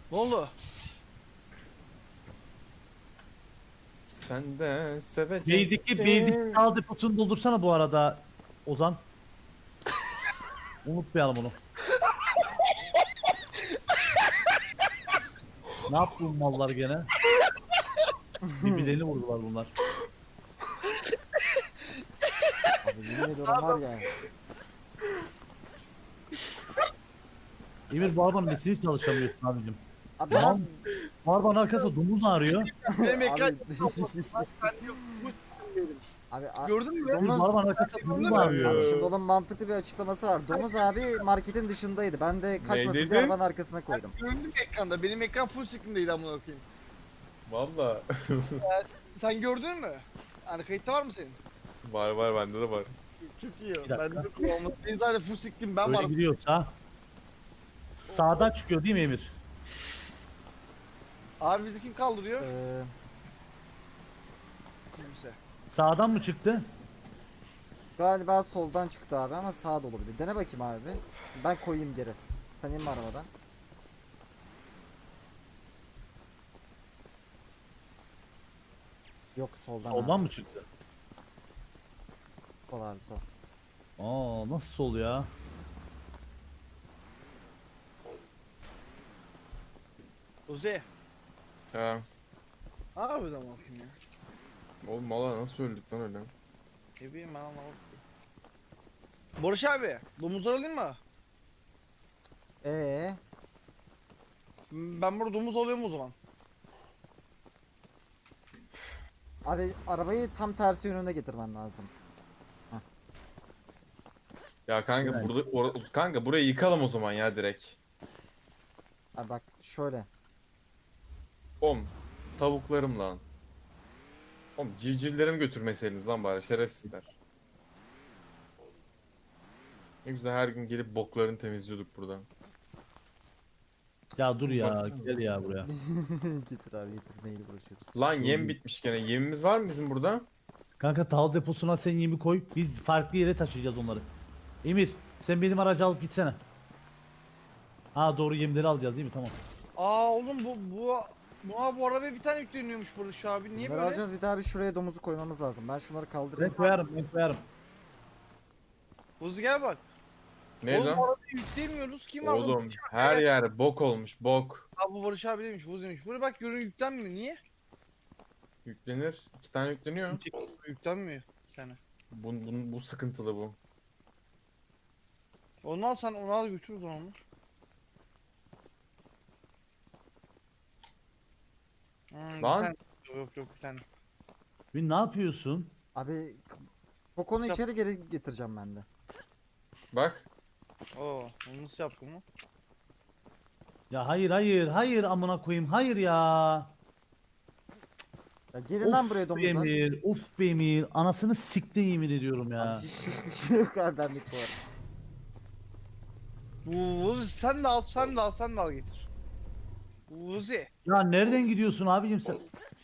Ne oldu? Sen de Basic seveceksin. kal deposunu doldursana bu arada Ozan. Unutmayalım onu. Ne yaptı bu mallar gene? Birbirlerini vurdular bunlar. Abi yemin ediyorum var ya. Emir bu arabanın nesini çalışamıyorsun abicim? Abi Mal, ben bu arabanın arkasında domuz ağrıyor. Benim ekran abi ben yok. Bu s**eyim. abi Gördün mü? Emir domuz bu arabanın arkasında domuz ağrıyor. abi şimdi onun mantıklı bir açıklaması var. Domuz abi marketin dışındaydı. Ben de kaçmasın Neydeydi? diye arabanın arkasına koydum. Gördün mü ekranda? Benim ekran full screen'deydi amına koyayım. Valla. Sen gördün mü? Yani kayıtta var mı senin? var bende de var. Çok iyi. dakika. Ben de kullanmadım. Benim zaten full screen ben Öyle varım. gidiyorsa. Sağdan çıkıyor değil mi Emir? Abi bizi kim kaldırıyor? Ee, Kimse. Sağdan mı çıktı? galiba soldan çıktı abi ama sağa da olabilir. Dene bakayım abi. Ben koyayım geri. Sen inme arabadan. Yok soldan Soldan abi. mı çıktı? Sol abi sol. Aa nasıl sol ya? Uzi. Ha. Abi de bakayım ya. Oğlum valla nasıl öldük lan öyle? Ne bileyim ben anlamadım. Barış abi, domuzları alayım mı? Ee, Ben burada domuz alıyorum o zaman. abi arabayı tam tersi yönüne getirmen lazım. Ya kanka Evet. kanka burayı yıkalım o zaman ya direkt. Abi bak şöyle. Tavuklarım lan. Civcivlerimi götürmeseydiniz lan bari şerefsizler. Ne güzel her gün gelip boklarını temizliyorduk buradan. Ya dur ya Baksana. gel ya buraya. Getir abi getir neyle uğraşıyoruz. Lan yem bitmiş gene. Yemimiz var mı bizim burada? Kanka tahıl deposuna sen yemi koy. Biz farklı yere taşıyacağız onları. Emir sen benim aracı alıp gitsene. Ha doğru yemleri alacağız değil mi? Tamam. Aa oğlum bu arabaya bir tane yükleniyormuş Barış abi. Niye Bunları böyle? alacağız bir daha bir şuraya domuzu koymamız lazım. Ben şunları Ben kaldırayım. koyarım ben koyarım. Buzi gel bak. Ne Oğlum lan? bu arabaya yükleyemiyoruz. Kim var? Oğlum her yer bok olmuş bok. Abi bu Barış abi demiş. Buzi'ymiş. Buraya bak görün yüklenmiyor. Niye? Yüklenir. 2 tane yükleniyor. Yüklenmiyor. Bir tane. Bu sıkıntılı bu. Onu al sen onu al götür o zaman onu. Bir Lan. tane. Yok bir tane. Bir ne yapıyorsun? Abi Koko'nu Yap. içeri geri getireceğim ben de. Bak. Oo, onu nasıl yaptın mı? Ya hayır amına koyayım hayır ya. Ya gelin lan buraya Of be domuzlar. Emir, of be Emir. Anasını siktin yemin ediyorum Abi ya. hiçbir şey yok abi benlik bu arada. Buzi sen de al sen de al getir. Buzi. Ya nereden gidiyorsun abicim sen?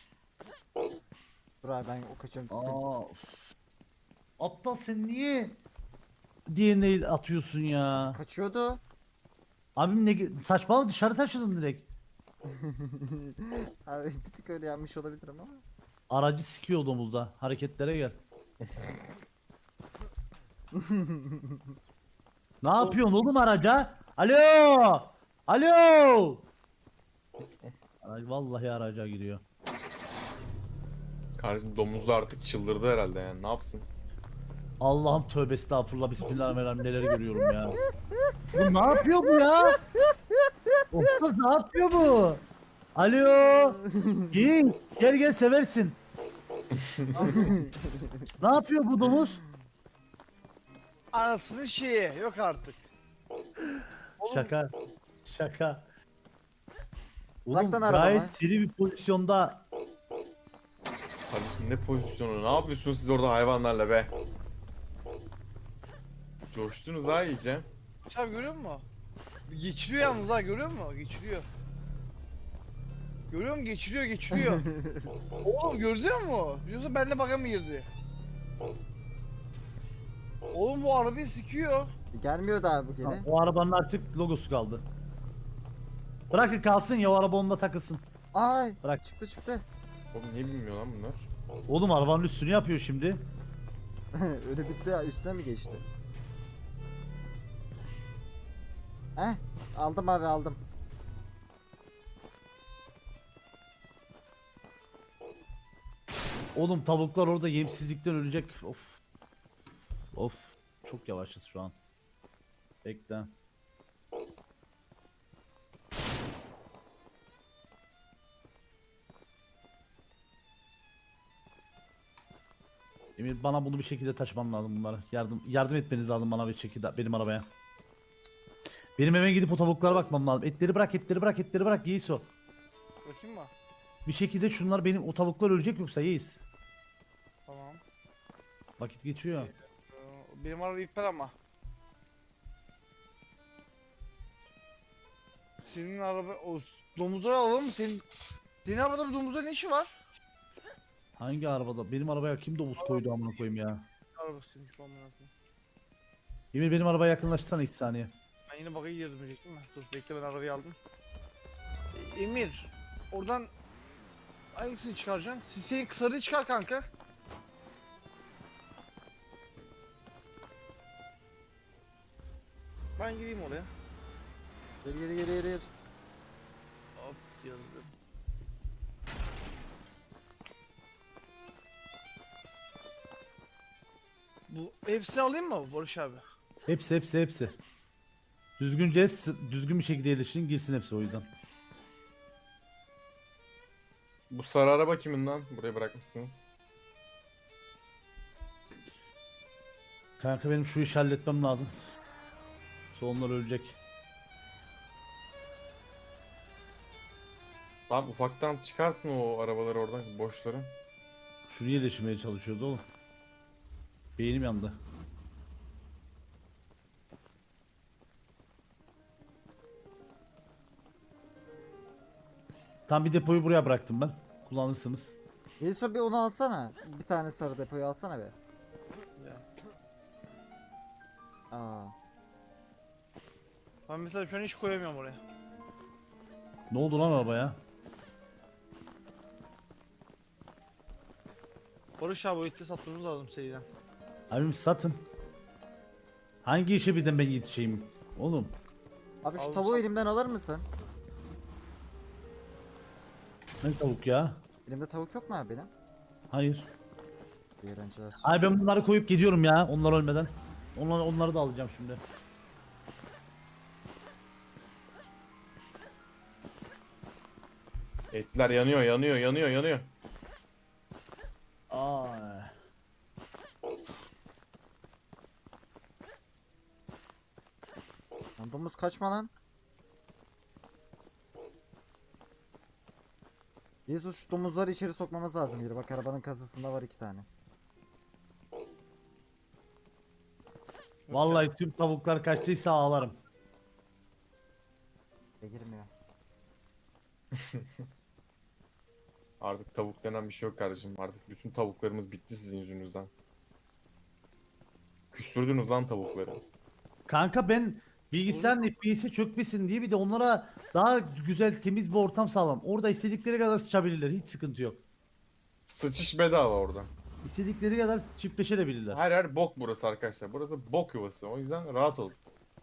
Dur abi ben o kaçırım tutayım. Aa, of. Aptal sen niye DNA atıyorsun ya? Kaçıyordu. Abim ne saçmalama dışarı taşıdın direkt. Abi bir tık öyle yapmış olabilirim ama. Aracı sikiyor domuzda. Hareketlere gel. Ne yapıyorsun oğlum araca? Alo! Alo! Araç vallahi araca giriyor. Kardeşim domuzlar artık çıldırdı herhalde yani. Ne yapsın? Allah'ım tövbe estağfurullah bismillahirrahmanirrahim neler görüyorum ya. Bu ne yapıyor bu ya? Oğlum ne yapıyor bu? Alo! Gel seversin. Ne yapıyor bu domuz? Anasının şeyi yok artık. Oğlum, Şaka. Şaka. Bırak Oğlum lan arabamı. gayet seri bir pozisyonda. Kardeşim ne pozisyonu? Ne yapıyorsunuz siz orada hayvanlarla be? Coştunuz ha iyice. Barış abi görüyor musun? Geçiriyor yalnız ha görüyor musun? Geçiriyor. Görüyor musun? Geçiriyor. Oğlum görüyor musun? Yoksa benimle baka mı girdi? Oğlum bu arabayı sikiyor. Gelmiyor da abi bu geri. O arabanın artık logosu kaldı. Bırakın kalsın ya, o araba onunla takılsın. Ay Bırak. çıktı. Oğlum niye bilmiyor lan bunlar? Oğlum arabanın üstünü yapıyor şimdi. Öyle bitti, üstüne mi geçti? Heh, aldım abi, aldım. Oğlum tavuklar orada yemsizlikten ölecek. Of. Of. Çok yavaşız şu an. Bekle. Emir, bana bunu bir şekilde taşımam lazım bunları. Yardım etmeniz lazım bana bir şekilde benim arabaya. Benim eve gidip o tavuklara bakmam lazım. Etleri bırak, etleri bırak, etleri bırak Yiğis o. Bakayım mı? Bir şekilde şunlar, benim o tavuklar ölecek yoksa Yiğis. Tamam. Vakit geçiyor. Benim araba iptal ama. Senin araba o domuzları alalım mı? Senin arabada bir domuzların ne işi var? Hangi arabada? Benim arabaya kim domuz koydu amına koyayım ya. Arabasıymış falan merak ettim. Emir, benim arabaya yakınlaştırsana 2 saniye. Ben yine bakayım girdim diyecektim mi? Dur bekle, ben arabayı aldım. Emir, oradan hangisini çıkaracaksın? Senin sarıyı çıkar kanka. Ben gireyim oraya. Geri. Hop yazdım. Bu hepsini alayım mı Barış abi? Hepsi. Düzgünce, düzgün bir şekilde yerleştirin, girsin hepsi o yüzden. Bu sarı araba kimin lan? Buraya bırakmışsınız. Kanka benim şu işi halletmem lazım. Sonlar ölecek. Tamam ufaktan çıkarsın o arabaları oradan, boşları. Şunu yerleştirmeye çalışıyoruz oğlum. Beynim yandı. Tam bir depoyu buraya bıraktım ben. Kullanırsınız. Yusuf bir onu alsana. Bir tane sarı depoyu alsana be. Ya. Aa. Ben mesela şu an hiç koyamıyorum oraya. Ne oldu lan arabaya? Barış abi o eti satmamız lazım seriden. Abim satın. Hangi işe birden ben yetişeyim? Oğlum. Abi şu Al, tavuğu al. elimden alır mısın? Ne tavuk ya? Elimde tavuk yok mu abi benim? Hayır. İyi öğrenciler. Ay ben bunları koyup gidiyorum ya, onlar ölmeden. Onları da alacağım şimdi. Etler yanıyor. Ay. Lan domuz kaçma lan. Yusuf şu domuzları içeri sokmamız lazım yürü. Bak arabanın kasasında var 2 tane. Vallahi tüm tavuklar kaçtıysa ağlarım. Girmiyor. Artık tavuk denen bir şey yok kardeşim. Artık bütün tavuklarımız bitti sizin yüzünüzden. Küstürdünüz lan tavukları. Kanka ben bilgisayarın FPS'i çökmesin diye bir de onlara daha güzel, temiz bir ortam sağlam. Orada istedikleri kadar sıçabilirler, hiç sıkıntı yok. Sıçış bedava orada. İstedikleri kadar çiftleşebilirler. Her yer bok burası arkadaşlar. Burası bok yuvası. O yüzden rahat olun.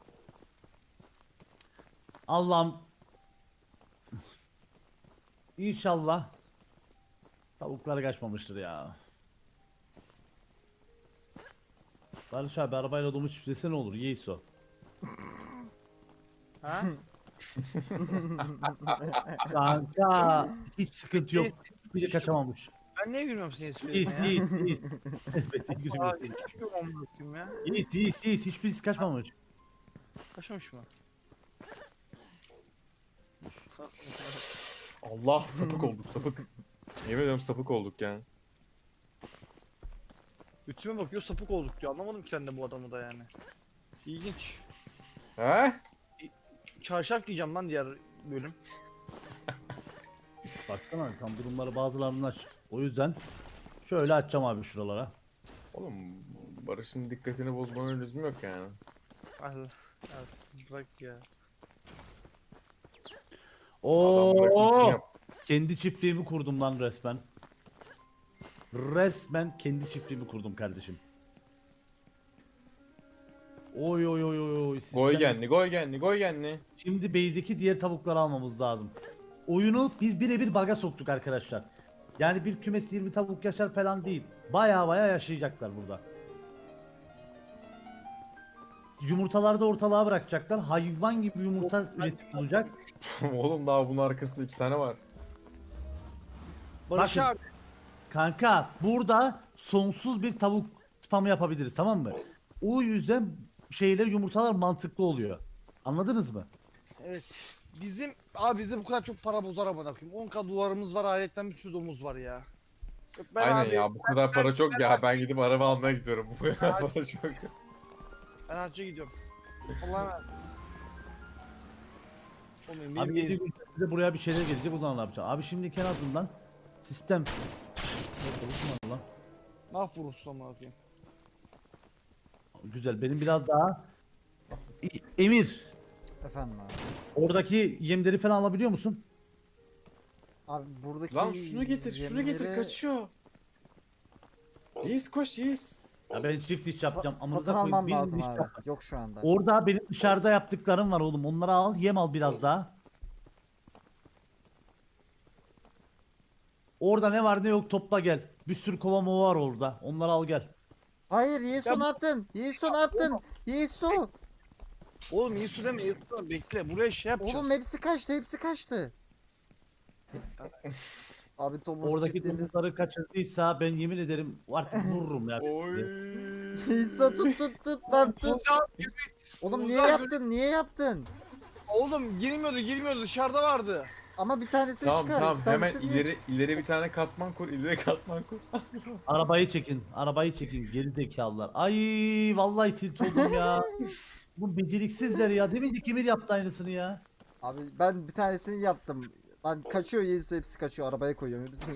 Allah'ım. İnşallah tavuklar kaçmamıştır ya. Barış abi, arabayla domuz çiftlese ne olur? Yeis o. Ha? Kanka hiç sıkıntı yok. Bir de kaçamamış. Ben niye gülmüyorum senin Yeis, esprilerine ya? yeis. Evet, Aa, gülüyorsun. hiç gülmüyorum amına koyayım ya. Yeis. Hiçbirisi kaçmamış. Kaçmamış mı? Allah sapık olduk sapık. Yemin ediyorum sapık olduk yani. Ütüme bakıyor sapık olduk diyor. Anlamadım ki ben de bu adamı da yani. İlginç. He? Çarşaf diyeceğim lan diğer bölüm. Baksana tam durumları bazılarının aç. O yüzden şöyle açacağım abi şuralara. Oğlum Barış'ın dikkatini bozmanın lüzumu yok yani. Ah, ya, bırak ya. Adam bırakıp bunu Oo! yaptı. Kendi çiftliğimi kurdum lan resmen. Resmen kendi çiftliğimi kurdum kardeşim. Oy oy oy oy oy. Goy Sistem. genli, goy genli, goy genli. Şimdi base'deki diğer tavukları almamız lazım. Oyunu biz birebir bug'a soktuk arkadaşlar. Yani bir kümesi 20 tavuk yaşar falan değil. Baya baya yaşayacaklar burada. Yumurtaları da ortalığa bırakacaklar. Hayvan gibi yumurta üretip olacak. Oğlum daha bunun arkasında 2 tane var. Barış Bakın. abi. Kanka burada sonsuz bir tavuk spamı yapabiliriz, tamam mı? O yüzden yumurtalar mantıklı oluyor. Anladınız mı? Evet. Bize bu kadar çok para bozar ama bakayım. 10k dolarımız var, aletten bir sürü domuz var ya. Yok, Aynen abi, ya, bu kadar para çok ya, ben gidip araba almaya gidiyorum. Bu kadar para çok. Ben hacca gidiyorum. Allah'a emanet. Oğlum, Abi benim- 7 gün size buraya bir şeyler gelecek, o zaman ne yapacağım? Abi şimdi en azından sistem. Yok, olsun lan. Mahvururuz ama bakayım. Güzel, benim biraz daha Emir, Efendim abi. oradaki yemleri falan alabiliyor musun? Abi buradaki Lan şunu getir, şunu getir, yemleri kaçıyor. Yiğiz koş Yiğiz. Ya ben çift iş yapacağım. amınıza satın koyayım, almam bir lazım iş abi. yap. Yok şu anda. Orada benim dışarıda yaptıklarım var oğlum. Onları al, yem al biraz daha. Orada ne var ne yok topla gel. Bir sürü kova mova var orada. Onları al gel. Hayır Yesu Ya ne yaptın? Yesu ne yaptın? Yesu. Oğlum iyi su deme, iyi su deme. Bekle, buraya şey yapacağız. Oğlum hepsi kaçtı, hepsi kaçtı. Abi domuz Oradaki çiftliğimiz. domuzları kaçırdıysa ben yemin ederim artık vururum ya. Oy. Yesu tut lan tut. Oğlum niye Domuzlar yaptın? Niye yaptın? Oğlum girmiyordu dışarıda vardı. Ama bir tanesini Tamam çıkar. tamam, iki hemen tanesini niye ileri bir tane katman kur, ileri katman kur. Arabayı çekin. Arabayı çekin. Geri zekalılar. Ay vallahi tilt oldum ya. Bu beceriksizler ya. Demin de Emir yaptı aynısını ya. Abi ben bir tanesini yaptım. Lan kaçıyor Yesu, hepsi kaçıyor. Arabaya koyuyorum hepsini.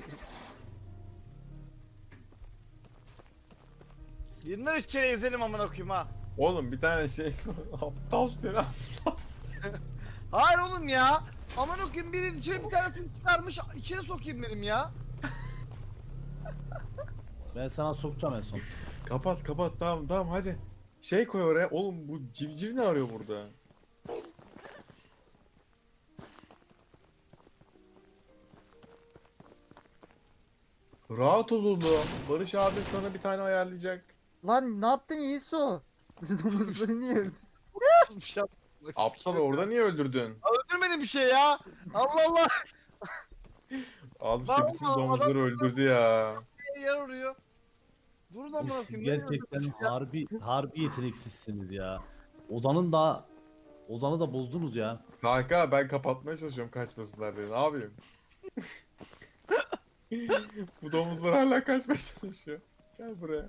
Yeniden üç kere ezelim amına koyayım ha. Oğlum bir tane şey aptal seni. Hayır oğlum ya. Aman okuyayım, biri içeri bir tanesini çıkarmış, içeri sokayım dedim ya. Ben sana sokacağım en son. Kapat kapat, tamam tamam hadi. Şey koy oraya. Oğlum bu civciv ne arıyor burada? Rahat ol oğlum. Barış abi sana bir tane ayarlayacak. Lan ne yaptın Yesu? Domuzları niye öldürdün? Bir şey yapmadım. Aptal, orada niye öldürdün? Öldürmedim bir şey ya. Allah Allah. Al işte Lan bütün oğlum, domuzları adam- öldürdü ya. Yer arıyor. Durun amına Uf, koyayım. nereye gerçekten öldürdünüz ya? harbi yeteneksizsiniz ya. Ozan'ı da bozdunuz ya. Kanka ben kapatmaya çalışıyorum kaçmasınlar diye. Ne yapayım? Bu domuzlar hala kaçmaya çalışıyor. Gel buraya.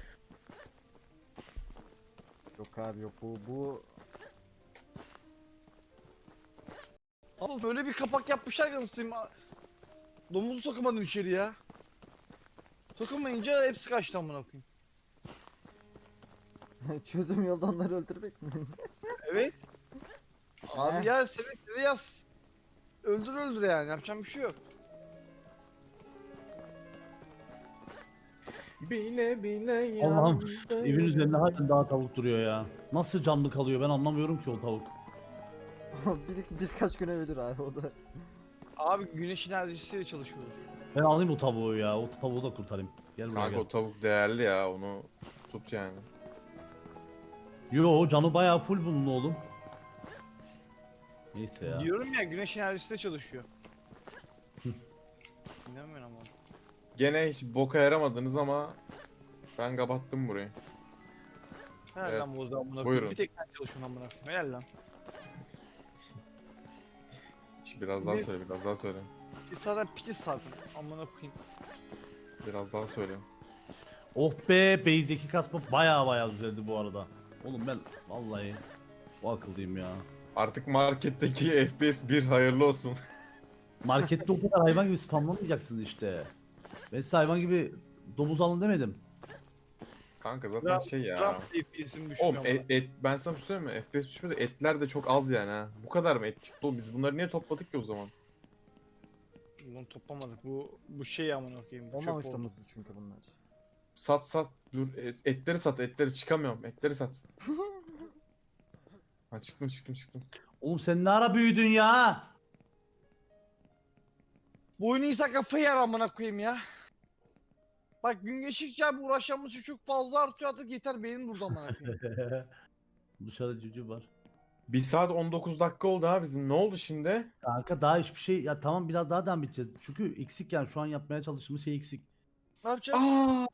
Yok abi yok bu Oğlum öyle bir kapak yapmışlar ki anasıyım. Domuzu sokamadım içeri ya. Sokamayınca hepsi kaçtı amına koyayım. çözüm yolda onları öldürmek mi? Evet. He? Abi ya seve yaz. Öldür yani, yapacağım bir şey yok. Bile bile Allah'ım, yandım. evin üzerinde halen daha tavuk duruyor ya. Nasıl canlı kalıyor ben anlamıyorum ki o tavuk. Birkaç güne ölür abi o da. Abi güneş enerjisiyle çalışıyoruz. Ben alayım o tavuğu ya. O tavuğu da kurtarayım. Gel buraya Kanka gel. o tavuk değerli ya, onu tut yani. Yo canı bayağı full bunun oğlum. Neyse ya. Diyorum ya, güneş enerjisiyle çalışıyor. İnanmıyorum ama. Gene hiç boka yaramadınız ama ben kapattım burayı. Helal Evet. lan bu zaman amına koyayım. Buyurun. Bir tek sen çalışıyorsun amına koyayım. Helal lan. Biraz daha Ne? söyle, biraz daha söyle. Biz zaten pitiz zaten amına koyayım. Biraz daha söyle. Oh be, base'deki kasma bayağı düzeldi bu arada. Oğlum ben vallahi o akıllıyım ya. Artık marketteki FPS 1 hayırlı olsun. Markette o kadar hayvan gibi spamlamayacaksınız işte. Ben size hayvan gibi domuz alın demedim. Kanka zaten Ram, şey ya. Ram FPS'im Oğlum düşmüyor ama. ben sana bir şey söyleyeyim mi? FPS düşmedi, etler de çok az yani ha. Bu kadar mı et çıktı oğlum? Biz bunları niye topladık ki o zaman? Bunu toplamadık. Bu şey amına koyayım. Bu çöp Olmamış oldu. domuzdu çünkü bunlar. Sat. Dur etleri sat, etleri çıkamıyorum. Etleri sat. Ha çıktım. Oğlum sen ne ara büyüdün ya? Bu oyunu insan kafayı yer amına koyayım ya. Bak gün geçtikçe abi uğraşacağımız şey çok fazla artıyor artık yeter benim burada amına koyayım. Dışarıda cücü var. 1 saat 19 dakika oldu ha bizim. Ne oldu şimdi? Kanka daha hiçbir şey ya tamam biraz daha devam edeceğiz. Çünkü eksik yani şu an yapmaya çalıştığımız şey eksik. Ne yapacağız? Aa!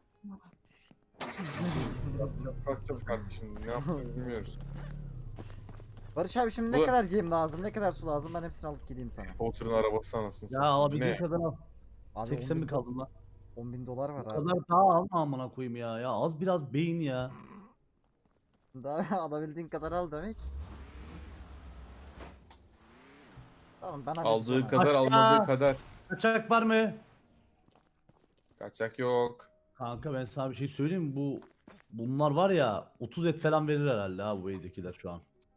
Bakacağız kardeşim. Ne yaptığını bilmiyoruz. Barış abi şimdi ne Bu- kadar yem lazım, ne kadar su lazım ben hepsini alıp gideyim sana. Potter'ın arabası anasını Ya satayım. alabildiğin Ne? kadar al. Abi 80 mi kaldın lan? 10.000 dolar var Bu abi. kadar daha alma amına koyayım ya. Ya az biraz beyin ya. Daha alabildiğin kadar al demek. Tamam ben halledeceğim Aldığı abi. kadar Bak ya. almadığı kadar. Kaçak var mı? Kaçak yok. Kanka ben sana bir şey söyleyeyim mi? Bunlar var ya 30 et falan verir herhalde ha bu evdekiler şu an.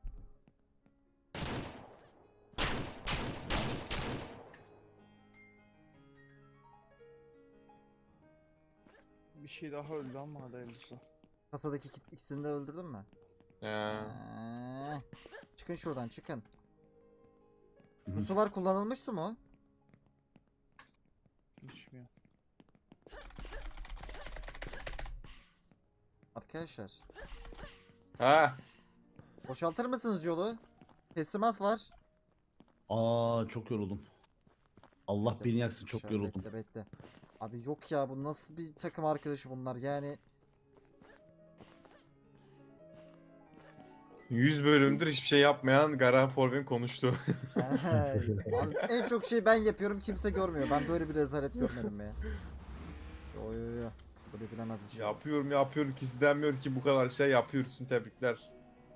Bir şey daha öldü ama hadi hayırlısı. Kasadaki ikisini de öldürdün mü? Ya. Çıkın şuradan çıkın. Hı hı. Bu sular kullanılmış su mu? Düşmüyor. Arkadaşlar. Ha. Boşaltır mısınız yolu? Teslimat var. Aa çok yoruldum. Allah Bekle, beni yaksın çok şöyle yoruldum. Bekle. Abi yok ya bu nasıl bir takım arkadaşı bunlar yani. 100 bölümdür hiçbir şey yapmayan Garan Forvin konuştu. Abi en çok şey ben yapıyorum kimse görmüyor. Ben böyle bir rezalet görmedim ya. Yo. Böyle bilemez bir şey. yapıyorum ki denmiyor ki bu kadar şey yapıyorsun, tebrikler.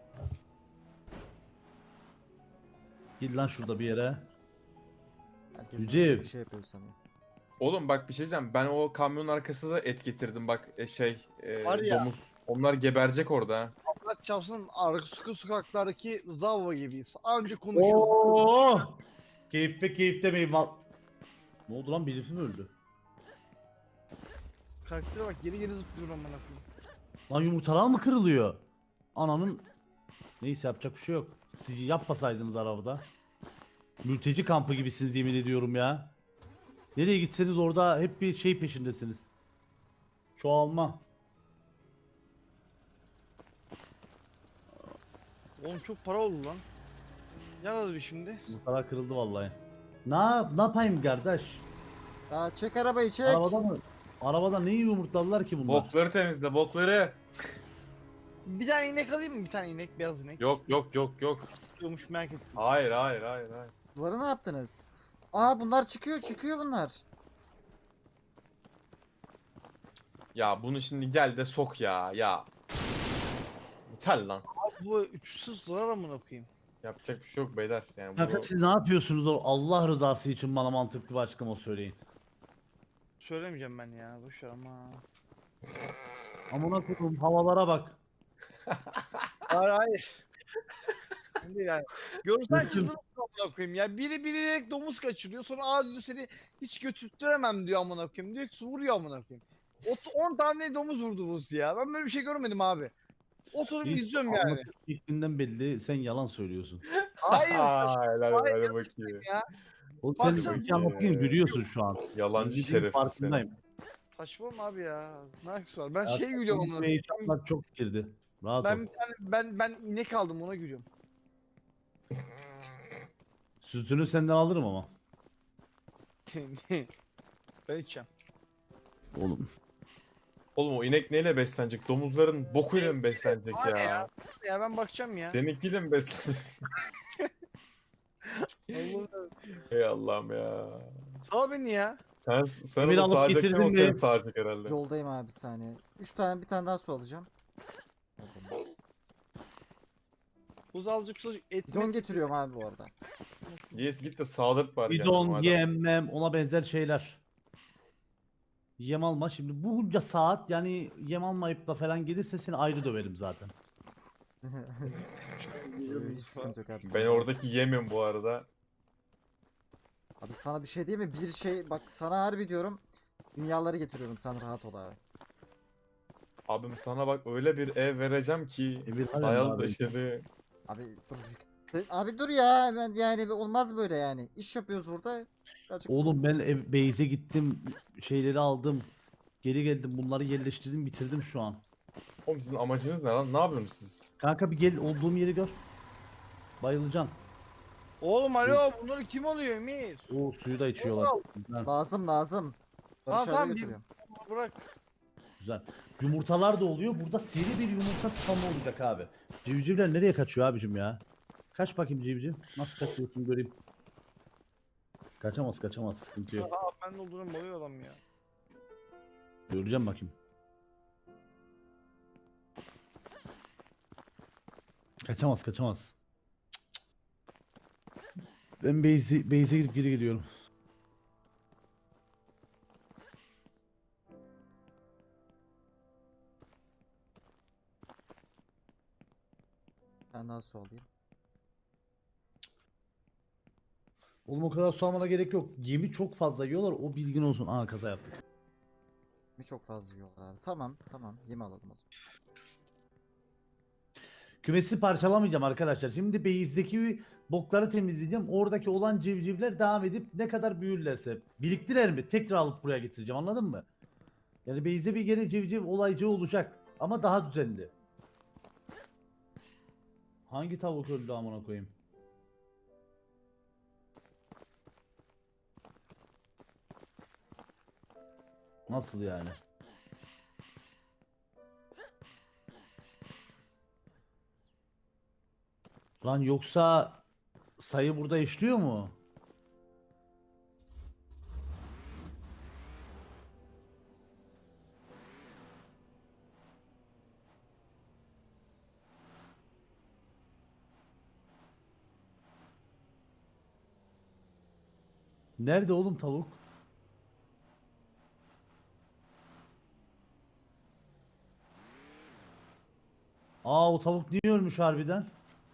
Git lan şurada bir yere. Herkes Yüce. bir şey yapıyor sanıyor. Oğlum bak bir şey diyeceğim. Ben o kamyonun arkasında da et getirdim bak Var ya. domuz. Onlar geberecek orada. ha. Allah çarpsın arka sokaklardaki Zavva gibiyiz. Anca konuşuyoruz. Oo! Keyif demeyin val. Ne oldu lan birisi mi öldü? Karaktere bak geri zıplıyor amına koyayım. Lan yumurtalar mı kırılıyor? Ananın neyse yapacak bir şey yok. Siz yapmasaydınız arabada. Mülteci kampı gibisiniz yemin ediyorum ya. Nereye gitseniz orada hep bir şey peşindesiniz. Çoğalma. Oğlum çok para oldu lan. Yaradı bir şimdi. Yumurtalar kırıldı vallahi. Ne yapayım kardeş? Ya çek arabayı çek. Arabada mı? Arabada neyi yumurtladılar ki bunlar? Bokları temizle, bokları. Bir tane inek alayım mı? Bir tane inek, beyaz inek. Yok. Tutuyormuş merak ettim. Hayır. Bunları ne yaptınız? Aa bunlar çıkıyor bunlar. Ya bunu şimdi gel de sok ya. Yeter lan. Abi bu uçsuz zarar amına koyayım. Yapacak bir şey yok beyler. Yani Kanka bunu... siz ne yapıyorsunuz Allah rızası için bana mantıklı bir açıklama söyleyin. Söylemeyeceğim ben ya. Boş ver ama. Amına koyduğum havalara bak. Hayır. Ben değil yani. Görsen çıldırırsın amına koyayım ya. Biri bilerek domuz kaçırıyor. Sonra aa diyor seni hiç götürttüremem diyor amına koyayım. Diyor ki vuruyor amına koyayım. 10 tane domuz vurdu buz ya. Ben böyle bir şey görmedim abi. Oturup izliyorum yani. Anlatış şeklinden belli sen yalan söylüyorsun. Hayır. Helal Hayır, hadi bakayım. Ya. Oğlum sen Baksana. ülke anlatırken gülüyorsun şu an. Yalancı Bildiğin şerefsiz farkındayım. Saçmalama abi ya. Ne alakası var? Ben Ya, şey gülüyorum amına konuşmaya koyayım. hitaplar çok girdi. Rahat ol. Ben bir tane ben inek aldım ona gülüyorum. Sütünü senden alırım ama. Ben içeceğim. Oğlum. Oğlum o inek neyle beslenecek? Domuzların bokuyla mı beslenecek Var ya? Ya ben bakacağım ya. Seninkiyle mi beslenecek? Allah'ım. Ey Allah'ım ya. Sağ beni ya. Sen Emir onu alıp sağacaksan getirdin o mi? seni sağacak herhalde. Yoldayım abi bir saniye. 3 tane bir tane daha su alacağım. Buz azıcık et. Bidon getiriyorum abi bu arada. Yes git de sağdırt bari. Bidon, kendine madem. yemmem ona benzer şeyler. Yem alma. Şimdi bunca saat yani yem almayıp da falan gelirse seni ayrı döverim zaten. Hiç sıkıntı yok abi. Ben sen- oradaki yemim bu arada. Abi sana bir şey diyeyim mi? Bir şey bak sana harbi diyorum. Dünyaları getiriyorum sen rahat ol abi. Abim sana bak öyle bir ev vereceğim ki Evir halen dayalı daha ben. döşeli. Abi dur. Abi dur ya ben yani olmaz böyle yani. İş yapıyoruz burada. Birazcık Oğlum ben base'e gittim. Şeyleri aldım. Geri geldim. Bunları yerleştirdim. Bitirdim şu an. Oğlum sizin amacınız ne lan? Ne yapıyorsunuz siz? Kanka bir gel olduğum yeri gör. Bayılacaksın. Oğlum alo bunları kim alıyor Emir? O suyu da içiyorlar. Al. Güzel. lazım lazım. Barış Tamam abi tamam biz götürüyorum. bırak. Güzel. Yumurtalar da oluyor. Burada seri bir yumurta spamı olacak abi. Civcivler nereye kaçıyor abicim ya? Kaç bakayım civciv. Nasıl kaçıyorsun göreyim. Kaçamaz kaçamaz sıkıntı yok. Aa ben de olurum oluyor adam ya. Göreceğim bakayım. Kaçamaz kaçamaz. Ben base'e gidip geri geliyorum. Ben daha su alayım. Oğlum o kadar su almana gerek yok. Yemi çok fazla yiyorlar o bilgin olsun. Aa kaza yaptık. Mi çok fazla yiyorlar abi. Tamam tamam yem alalım o zaman. Kümesi parçalamayacağım arkadaşlar. Şimdi base'deki bokları temizleyeceğim. Oradaki olan civcivler devam edip ne kadar büyürlerse biriktirer mi? Tekrar alıp buraya getireceğim anladın mı? Yani base'de bir gene civciv olaycı olacak. Ama daha düzenli. Hangi tavuk öldü amına koyayım? Nasıl yani? Lan yoksa sayı burada işliyor mu? Nerede oğlum tavuk? Aa o tavuk niye ölmüş harbiden?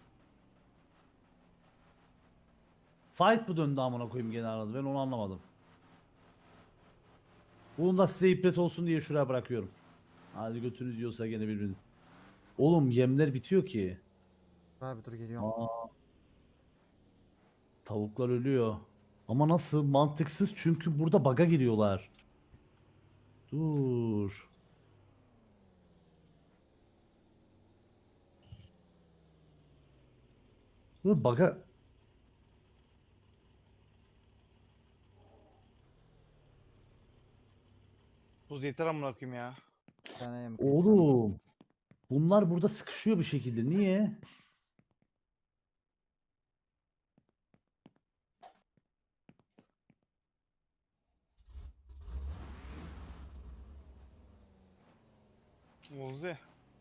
Fight mı döndü amına koyayım gene arada ben onu anlamadım. Bunu da size ibret olsun diye şuraya bırakıyorum. Hadi götünüz yiyorsa gene birbiriniz. Oğlum yemler bitiyor ki. Abi dur geliyorum. Aa, tavuklar ölüyor. Ama nasıl? Mantıksız çünkü burada baga giriyorlar. Dur. Dur baga. Tuz yeter amına koyayım ya. Bir tane yem kıydım abi. Oğlum. Bunlar burada sıkışıyor bir şekilde. Niye? Ozi.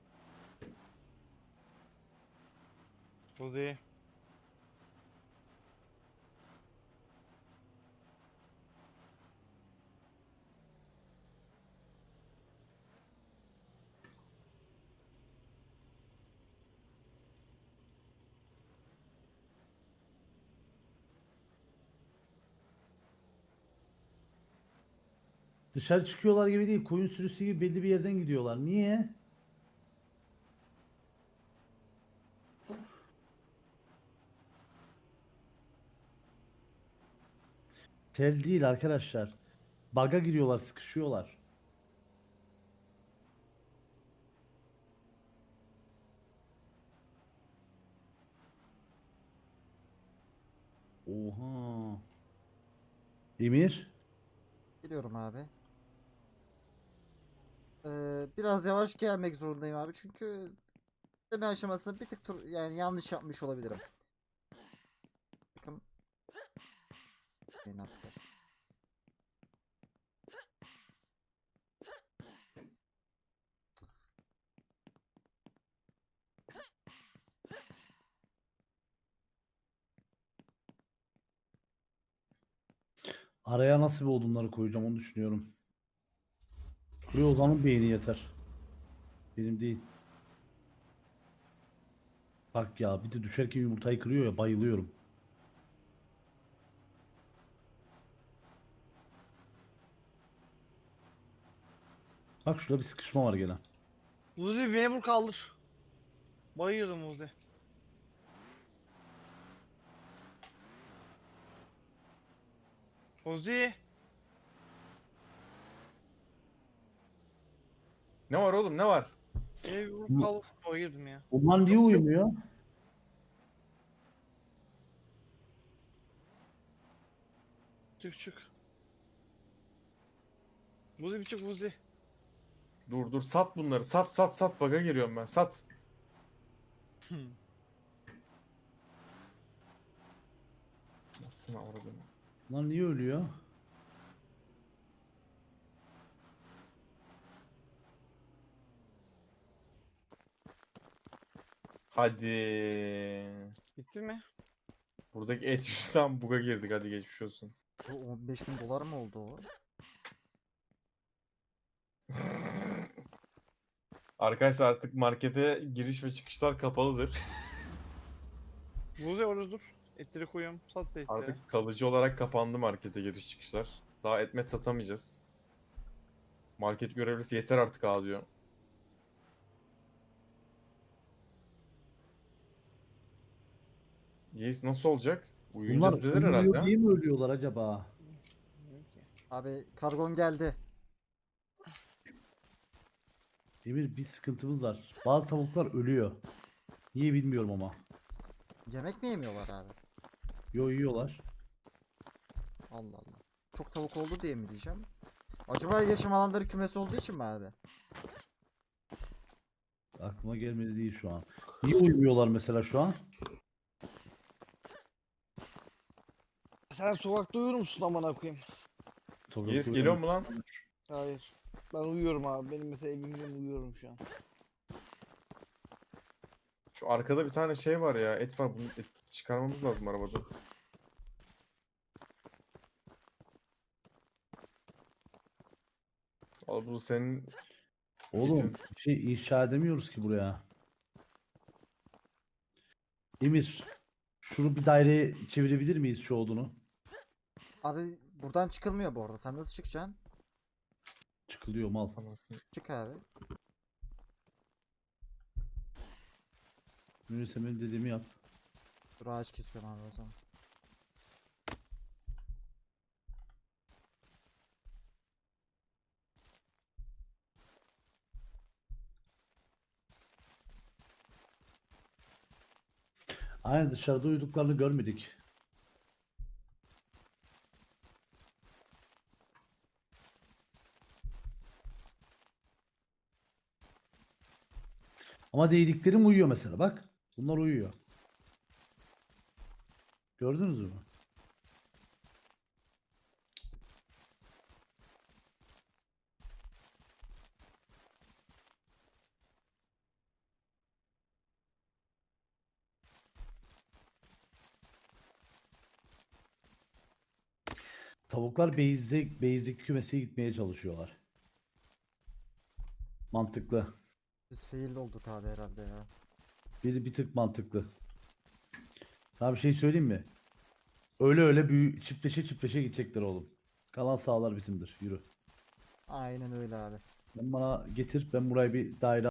Ozi. Dışarı çıkıyorlar gibi değil. Koyun sürüsü gibi belli bir yerden gidiyorlar. Niye? Tel değil arkadaşlar. Baga giriyorlar, sıkışıyorlar. Oha. Emir. Geliyorum abi. Biraz yavaş gelmek zorundayım abi çünkü deme aşamasında bir tık yani yanlış yapmış olabilirim. Bakın. Beni attılar. Araya nasıl bir odunları koyacağım onu düşünüyorum. Buraya Ozan'ın beyni yeter. Benim değil. Bak ya bir de düşerken yumurtayı kırıyor ya bayılıyorum. Bak şurada bir sıkışma var gene. Muzi beni vur kaldır. Bayıyordum Muzi. Muzi. Ne var oğlum, ne var? Beni vur Bu- kaldır. Bayıyordum ya. Bunlar niye uyumuyor? Çık çık. Muzi bir çık Muzi. Dur dur, sat bunları, sat sat sat, baga giriyorum ben, sat. Nasıl avradın? Bunlar niye ölüyor? Hadi. Bitti mi? Buradaki et yüzünden buga girdik, hadi geçmiş olsun. Bu 15.000 dolar mı oldu o? Arkadaşlar artık markete giriş ve çıkışlar kapalıdır. Muzi orada dur. Etleri koyuyorum. Sat da etleri. Artık kalıcı olarak kapandı markete giriş çıkışlar. Daha etmet satamayacağız. Market görevlisi yeter artık diyor. Yeis nasıl olacak? Uyuyunca Bunlar düzelir uyumuyor herhalde. diye mi ölüyorlar acaba? Bilmiyorum ki. Abi kargon geldi. Emir bir sıkıntımız var. Bazı tavuklar ölüyor. Niye bilmiyorum ama. Yemek mi yemiyorlar abi? Yo yiyorlar. Allah Allah. Çok tavuk oldu diye mi diyeceğim? Acaba yaşam alanları kümesi olduğu için mi abi? Aklıma gelmedi değil şu an. Niye uyumuyorlar mesela şu an? Sen sokakta uyur musun amına koyayım? Sokakta Yeis uyuyor geliyor mu lan? Hayır. Ben uyuyorum abi. Benim mesela evimde uyuyorum şu an. Şu arkada bir tane şey var ya, et var, bunu çıkarmamız lazım arabada. Al, bu senin Oğlum etin. bir şey inşa edemiyoruz ki buraya. Emir, şunu bir daireye çevirebilir miyiz şu odunu? Abi buradan çıkılmıyor bu arada. Sen nasıl çıkacaksın? Çıkılıyor mal. Anasını. Çık abi. Neyse benim dediğimi yap. Dur ağaç kesiyorum abi o zaman. Aynen dışarıda uyuduklarını görmedik. Ama değdiklerim uyuyor mesela bak. Bunlar uyuyor. Gördünüz mü? Tavuklar beyzdeki kümese gitmeye çalışıyorlar. Mantıklı. Biz fail olduk abi herhalde ya. Bir tık mantıklı. Sana bir şey söyleyeyim mi? Öyle öyle çiftleşe çiftleşe gidecekler oğlum. Kalan sahalar bizimdir. Yürü. Aynen öyle abi. Ben bana getir. Ben buraya bir daire